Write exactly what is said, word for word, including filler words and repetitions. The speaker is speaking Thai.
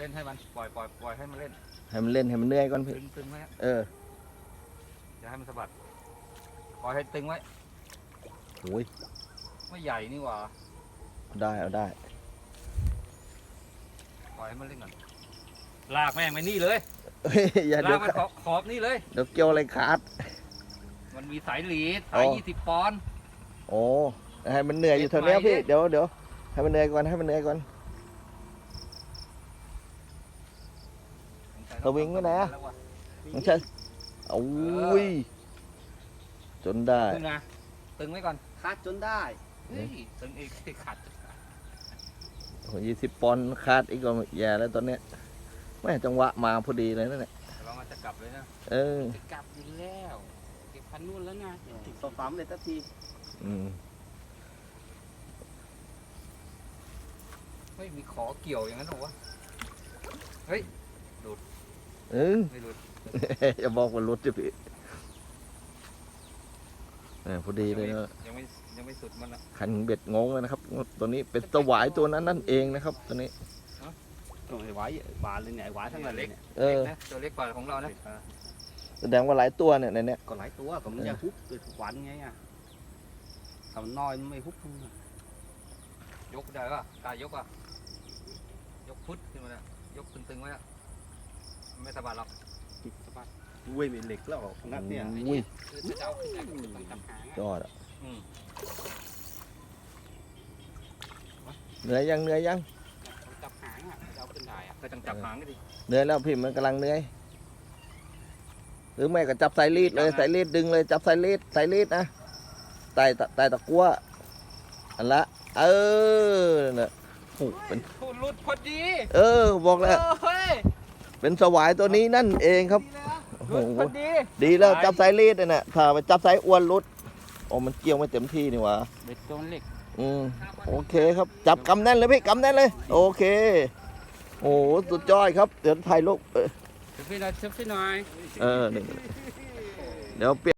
เล่นให้มันปล่อยปล่อยปล่อยให้มันเล่นให้มันเล่นให้มันเหนื่อยก่อนพี่ตึงตึงไว้เอออย่าให้มันสะบัดปล่อยให้ตึงไว้โอ้ยไม่ใหญ่นี่หว่าได้เอาได้ปล่อยให้มันเล่นก่อนลากแม่งไปนี่เลยเฮ้ยอย่าลาเดี๋ยกวมันขอบขอบนี่เลยเดี๋ยวเกี่ยวอะไรขาดมันมีสายหลีดอ๋สายอยี่สิบปอนด์โอ้ให้มันเหนื่อยอยู่เท่านี้พี่เด็ดไหมเดี๋ยวเดี๋ยวให้มันเหนื่อยก่อนให้มันเหนื่อยก่อน สวิงไว้ไหนอะ มันใช่โอ้ยจนได้ตึงนะตึงไว้ก่อนคัดจนได้เฮ้ยตึงอีกขัดยี่สิบปอนด์ขาดอีกก็แย่แล้วตอนเนี้ยแม่จังหวะมาพอดีเลยนั่นแหละเรามาจะกลับเลยนะเออจะกลับอยู่แล้วเก็บพันนู่นแล้วไงติดสฟ้ามเลยทันทีอืมเฮ้ยมีขอเกี่ยวอย่างนั้นเหรอวะเออไม่หลุดอย่าบอกว่ารถจะพี่แหม่พอดีเลยนะยังไม่ยังไม่สุดมันอ่ะขันเบ็ดงงเลยนะครับ ตัวนี้เป็นสวายตัวนั้นนั่นเองนะครับ ตัวนี้โอ้ยไว้บานเลยเนี่ยไว้ทั้งนั้นเลยเนี่ยเออเล็กนะตัวเล็กกว่าของเรานะแสดงว่าหลายตัวเนี่ยในเนี้ยก็หลายตัวก็มันจะฮุบเกิดทุกวันไงอ่ะทำน้อยมันไม่ฮุบมึงอะยกได้ป่ะกายยกป่ะยกพุทธขึ้นมาเนี่ยยกตึงๆไว้อะไม่สะบัดหรอกติดสะบัดเว้ยเป็นเหล็กแล้วนัดเนี่ยอุ้ยคือจะเอาขึ้นได้ก็ต้องจับหางยอดอ่ะอืมเหนื่อยยังเหนื่อยยังจับหางอ่ะจะเอาขึ้นได้อ่ะก็ต้องจับหางก็ดิเหนื่อยแล้วพี่มันกำลังเหนื่อยหรือไม่ก็จับสายรีดเลยสายรีดดึงเลยจับสายรีดสายรีดนะไต่ตะไต่ตะกั่วอันละเออเนี่ยโอ้เป็นพูดหลุดพอดีเออบอกแล้วเฮ้ยเป็นสวายตัวนี้นั่นเองครับโอ้หโหลุดพอดีดีแล้วจับสายรีดเนี่ยนะถ้าไปจับสายอ้วนรุดโอ้มันเกี่ยวไม่เต็มที่นี่หว่าเบ็ดตัวเล็กอืมโอเคครับจับกำแน่นเลยพี่กำแน่นเลยโอเคโอ้โหสุดยอดครับเดี๋ยวถ่ายรูปเออเซฟฟี่หน่อยเซฟฟี่หน่อยเออนี่เดี๋ยวเปลี่ยน